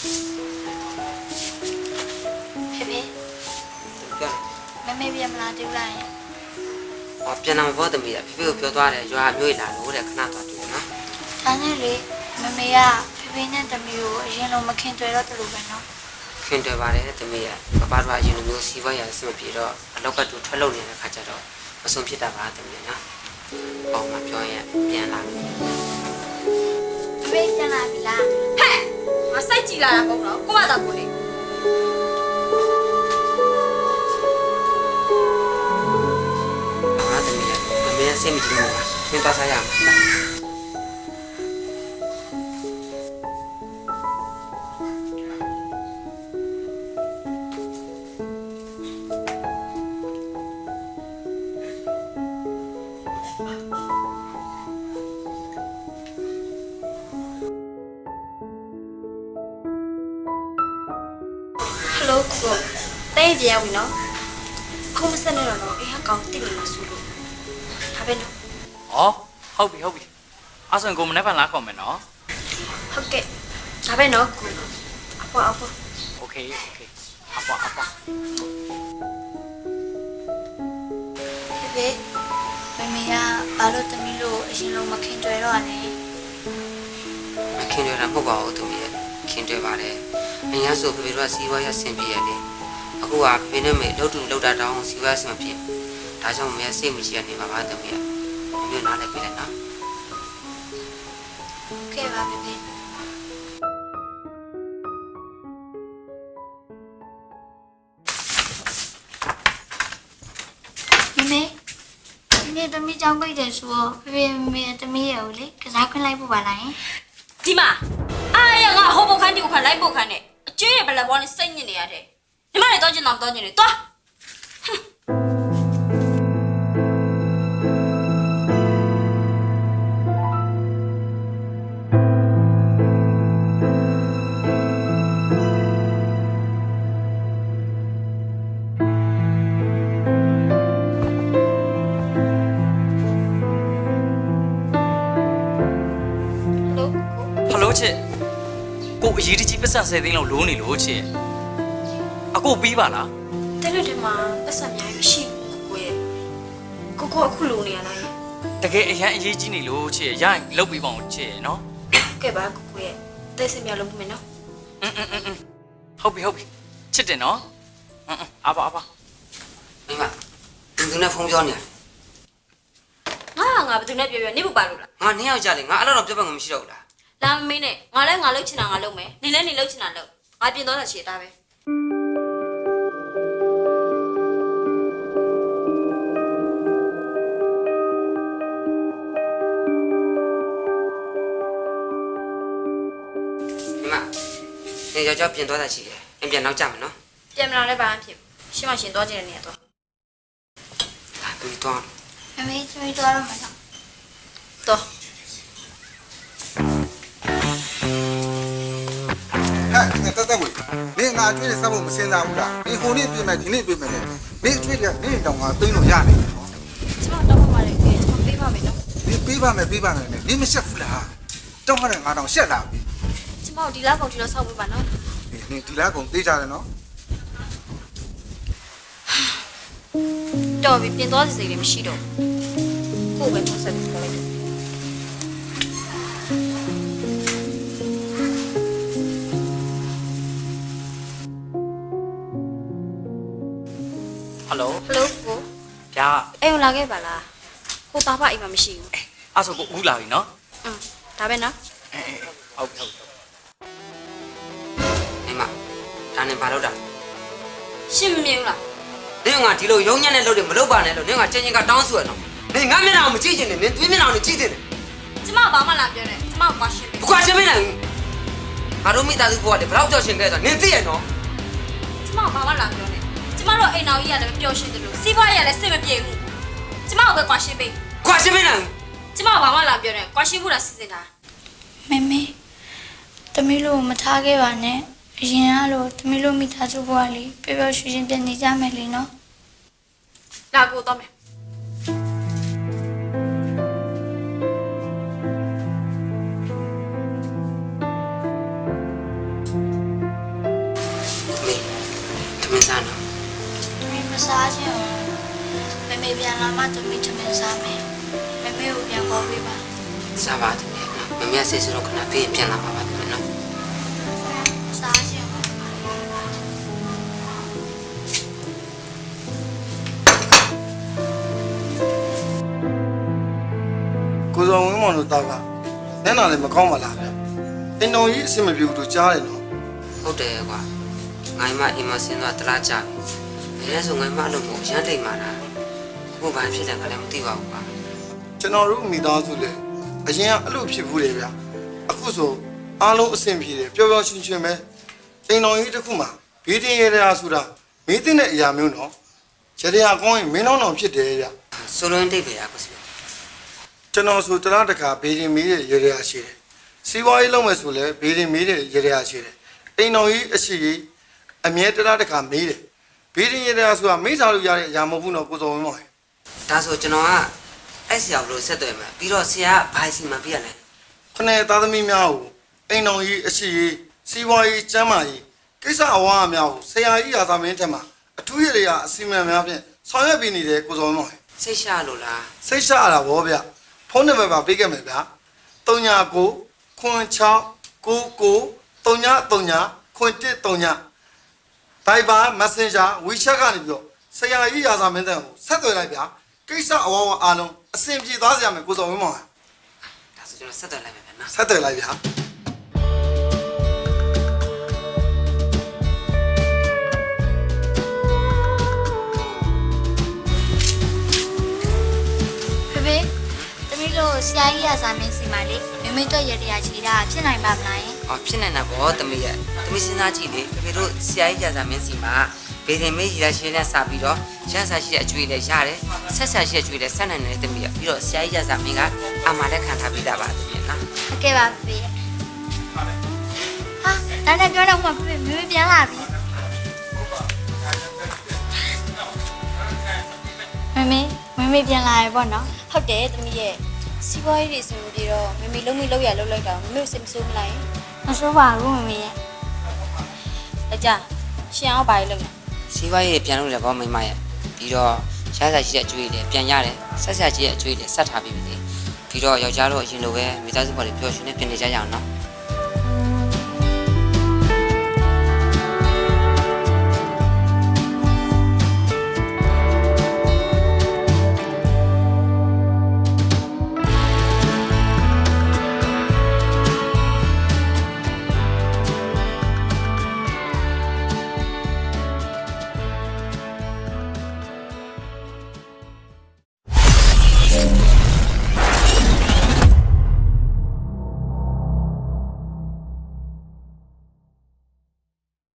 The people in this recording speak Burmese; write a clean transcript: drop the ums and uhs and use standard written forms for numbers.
ဖေဖေမမေပြန်မလာသေးဘူးလားယင်ပြန်လာမပေါ်သမီးဖေဖေကိုပြောသွားတယ်ရွာမျိုးလာလို့တဲ့ခဏသွားတွေ့နော်ဒါနဲ့လေမမေကဖေဖေနဲ့သမီးကိုအရင်လိုမခင်တွေ့တော့တူလို့ပဲနော်ခင်တွေ့ပါတယ်သမီးကပပတို့အရင်လိုမျိုးစီးပွားရေးအဆင်မပြေတော့အလောက်ကတူထွက်လို့နေတဲ့ခါကျတော့မဆုံးဖြစ်တာပါသမီးနော်ပေါ့မပြောရင်ပြန်လာပြီဖေဖေပြန်လာပြီလားဟဲ့ငါစိတ်ကြည်လာတာမဟုတ်တော့ကိုမသာကိုလေဟာသမီးမမေအဆင်မပြေဘူးလားသင်သွားစားရမှာဟယ်လိုကိုတဲကြရဝင်နော်ခုမစနေတော့နော်အေးဟာကောင်းတိတ်နေမှာဆိုလို့ဒါပဲနော်။ဟုတ်ပြီ။အဲ့ဆိုရင်ကိုမနေ့ကလာခေါ်မယ်နော်ဟုတ်ကဲ့ဒါပဲနော်ကိုအပွား။ Okay ။အပွားဖေဖေမမေကဘာလို့သမီးလို့အရင်လိုမခင်တွေ့တော့လဲမခင်တွေ့တာမဟုတ်ပါဘူးသမီးခင်တွေ့ပါတယ်အရင်ဆိုဖေဖေတို့ကစီးပွားရေးအဆင်ပြေရတယ်အခုကဖေဖေနဲ့မေလှုပ်တူလှုပ်တာတောင်းစီးပွားရေးအဆင်မပြေဒါကြောင့်မေစိတ်မကြီးရနေပါပါသမီးမျိုးနားလည်းပြလိုက်နော်ကဲပါဖေဖေမမေဒီနေ့သမီးကြောင်းပိတ်တယ်ဆိုတော့ဖေဖေမမေသမီးရကိုလေကစားခွင့်လိုက်ဖို့ပါလားယင်ဒီမှာအားရငါဟိုဘခန်းဒီဘခန်းလိုက်ဘခန်းနဲ့အကျွေးရဘလက်ဘောနဲ့စိတ်ညစ်နေရတယ်ညီမလည်းတော့ကျင်တော့တော့ကျင်နေသွားလို့။ဟယ်လိုချစ်။ကိုအရေးတကြီးပတ်စံ10သိန်းလောက်လိုးနေလို့ချစ်။အကိုပြီးပါလားတဲလို့ဒီမှာပတ်စံများမရှိဘူးကိုရဲ့ကိုအခုလိုနေရလား။တကယ်အရန်အရေးကြီးနေလို့ချစ်။ရရင်လုတ်ပြီးပါအောင်ချစ်နော်ကဲပါကိုရဲ့တဲစင်များလုံးမယ်နော်။ဟုတ်ပြီ။ချစ်တယ်နော်။အပါမိမသူနဲ့ဖုန်းပြောနေတယ်ငါဘယ်သူနဲ့ပြောနေဘူးပါလို့လားငါနှစ်ယောက်ကြလေငါအဲ့တော့ပြောပတ်ငါမရှိတော့ဘူးလားလာမင်းနဲ့ငါလည်းငါလှုပ်ချင်တာငါလှုပ်မယ်နေလည်းနေလှုပ်ချင်တာလှုပ်ငါပြင်တော့တာချေတာပဲမိမနေယောက်ျားပြင်သွားတာရှိတယ်အပြင်နောက်ကြမယ်နော်ပြန်မလာလည်းဘာမှဖြစ်ရှင်းမရှင်သွားကြတဲ့နေရာတော့ဒါသူသွားမမေသမီးသွားတော့မှာနော်တော့ဟဲ့တက်ဝေမင်းငါအကျွေးတွေစပ်ဖို့မစင်စားဘူးလားဒီဟိုနေ့ပြင်မယ်ဒီနေ့ပြင်မယ်လေမင်းအကျွေးတွေကနေ့တောင်ငါသိန်းလို့ရနေတယ်နော်ကျမတော့မှလည်းကျွန်တော်ပေးပါမယ်နော်ဒီပေးပါမယ်နဲ့ဒီမရှက်ဘူးလားတောင်းရတယ်ငါတောင်ရှက်လာပြီကျမဒီလောက်ကုန်ဒီတော့ဆောက်ပေးပါနော်ဒီဒီလားကုန်သေးကြတယ်နော်တော်ပြီပြင်သွားစီစိတ်လည်းမရှိတော့ကိုပဲထုတ်ဆက်ပြီးခေါ်လိုက်တယ်။ဟယ်လိုဟယ်လိုကို။ဗျာအဲ့ကိုလာခဲ့ပါလားကိုသားဖအိမ်မှာမရှိဘူး။အဲ့ဆိုကိုဦးလာပြီနော်ဒါပဲနော်။ဟုတ်ပြီမိမဒါနဲ့ဘာလုပ်တာရှင်းမမြင်ဘူးလားနင်ကဒီလိုရုံညံ့တဲ့လုပ်တွေမလုပ်ပါနဲ့လို့နင်ကချင်းချင်းကတောင်းဆိုရတော့နင်ငါမျက်နှာကိုမကြည့်ချင်နဲ့နင်သွေးမျက်နှာကိုကြည့်ချင်တယ်ကျမဘာမှလာပြောနေကျမကွာရှင်းပြီဘကွာချင်းမနိုင်ဘူးငါတို့မိသားစုဘဝတွေဘယ်တော့ကြောက်ရှင်ခဲ့ဆိုနင်သိရနော်ကျမဘာမှလာပြောနေကျမတို့အိမ်တော်ကြီးကလည်းမပြောရှင်းတယ်လို့စီးပွားရေးကလည်းစိတ်မပြေဘူးကျမကိုပဲကွာရှင်းပြီကွာချင်းမနိုင်ဘူးကျမဘာမှလာပြောနေကွာရှင်းဖို့လားစီစဉ်တာမမေသမီးလို့မထားခဲ့ပါနဲ့အရင်ကလို့သမီးလို့မိသားစုဘဝလေးပျော်ပျော်ရွှင်ရွှင်ပြန်နေကြမယ်လေနော်လာကိုတော့မယ်စားခြင်းမမေပြန်လာမှသမီးချမင်းစားမယ်မမေကိုပြန်ခေါ်ပေးပါစားပါသမီးနော်မမေကစိတ်ဆိုးတော့ခဏပြေးပြန်လာပါပါသမီးနော်စားခြင်းကိုစောဝင်းမောင်တို့တာကနန်းနာလည်းမကောင်းပါလားဗျအိမ်တော်ကြီးအဆင်မပြေဘူးလို့ကြားတယ်နော်ဟုတ်တယ်ကွာငိုင်းမအိမ်မဆင်းသွားတလားကြပြီအဲဆိုငိုင်းမလို့မို့ရမ်းတိတ်မာတာကိုဘာဖြစ်တယ်ကလည်းမသိပါဘူးကွာကျွန်တော်တို့မိသားစုလည်းအရင်ကအဲ့လိုဖြစ်ဘူးလေဗျအခုဆိုအားလုံးအဆင်ပြေတယ်ပျော်ပျော်ရွှင်ရွှင်ပဲအိမ်တော်ကြီးတစ်ခုမှာဘေးတင်ရတာဆိုတာမင်းတင်တဲ့အရာမျိုးနော်ရတရားကောင်းရင်မင်းတော်ဖြစ်တယ်ဗျဆိုလွန်းတိတ်ပဲကွာစီကျွန်တော်ဆိုတလားတခါဘေးတင်မီးတဲ့ရတရားရှိတယ်စီးပွားရေးလုပ်မယ်ဆိုလည်းဘေးတင်မီးတဲ့ရတရားရှိတယ်အိမ်တော်ကြီးအရှိကြီးအမြဲတလားတခါမေးတယ်ဘေးတင်ရတရားဆိုတာမေးစားလို့ရတဲ့အရာမဟုတ်ဘူးနော်ကိုစောဝင်းမောင်ဒါဆိုကျွန်တော်ကအဲ့ဆရာဘလို့ဆက်သွယ်မှာပြီးတော့ဆရာကဘာစီမပြရလဲခနဲ့သားသမီးများကိုအိမ်တော်ကြီးအရှိကြီးစီးပွားရေးကျန်းမာရေးကိစ္စအဝါအများကိုဆရာကြီးရာသမင်းထက်မှာအထူးရည်ရအစီအမံများဖြင့်ဆောင်ရွက်ပေးနေတယ်ကိုစောဝင်းမောင်စိတ်ရှာလို့လားစိတ်ရှရတာဗောဗျဖုန်းနံပါတ်ပါပေးခဲ့မယ်ဗျ39 96 99 3939 Viber Messenger WeChat ကနေပြီးတော့ဆရာကြီးရာဇာမင်းတန်ကိုဆက်သွယ်လိုက်ဗျကိစ္စအဝဝအားလုံးအဆင်ပြေသွားစေရမယ်ကိုစောဝင်းမောင်ဒါဆိုကျွန်တော်ဆက်သွယ်လိုက်မယ်ဗျနော်ဆက်သွယ်လိုက်ဗျဖေဖေသမီးတို့ဆရာကြီးရစားမင်းစီမလေးမမေတော့ရတရားချီတာဖြစ်နိုင်ပါမလားယင်အော်ဖြစ်နေတာဗောသမီးရဲ့သမီးစဉ်းစားကြည့်လေဖေတို့ဆရာကြီးကြာစာမင်းစီမှာဘေဒင်မေးရရှင်းနဲ့စပြီးတော့ရန်စာရှိတဲ့အကျွေးလည်းရတယ်ဆက်ဆက်ရှိတဲ့အကျွေးလည်းဆက်နိုင်တယ်သမီးရဲ့ပြီးတော့ဆရာကြီးကြာစာမင်းကအမှလည်းခံထားပြီးတာပါသမီးနော်ဟုတ်ကဲ့ပါဖေဖေဟာတန်းတန်းပြောတော့မှဖေဖေမမေပြန်လာပြီမမေပြန်လာရပေါ့နော်ဟုတ်တယ်သမီးရဲ့စီးပွားရေးတွေအဆင်မပြေတော့မမေလုံးမိလောက်ရလောက်လိုက်တော့မမေကိုစိတ်မဆိုးမလိုက်မဆိုးပါဘူးမမေရဲ့အကြရှင်အောင်ပါလို့စီးပွားရေးပြန်လို့လည်းဗောမိမရဲ့ပြီးတော့ရန်စာရှိတဲ့အကျွေးလည်းပြန်ရတယ်ဆက်ဆက်ရှိတဲ့အကျွေးလည်းဆက်ထားပြီးပြီပြီးတော့ယောက်ျားတို့အရင်လိုပဲမိသားစုပေါ်တွေပျော်ရွှင်နေပြင်နေကြရအောင်နော်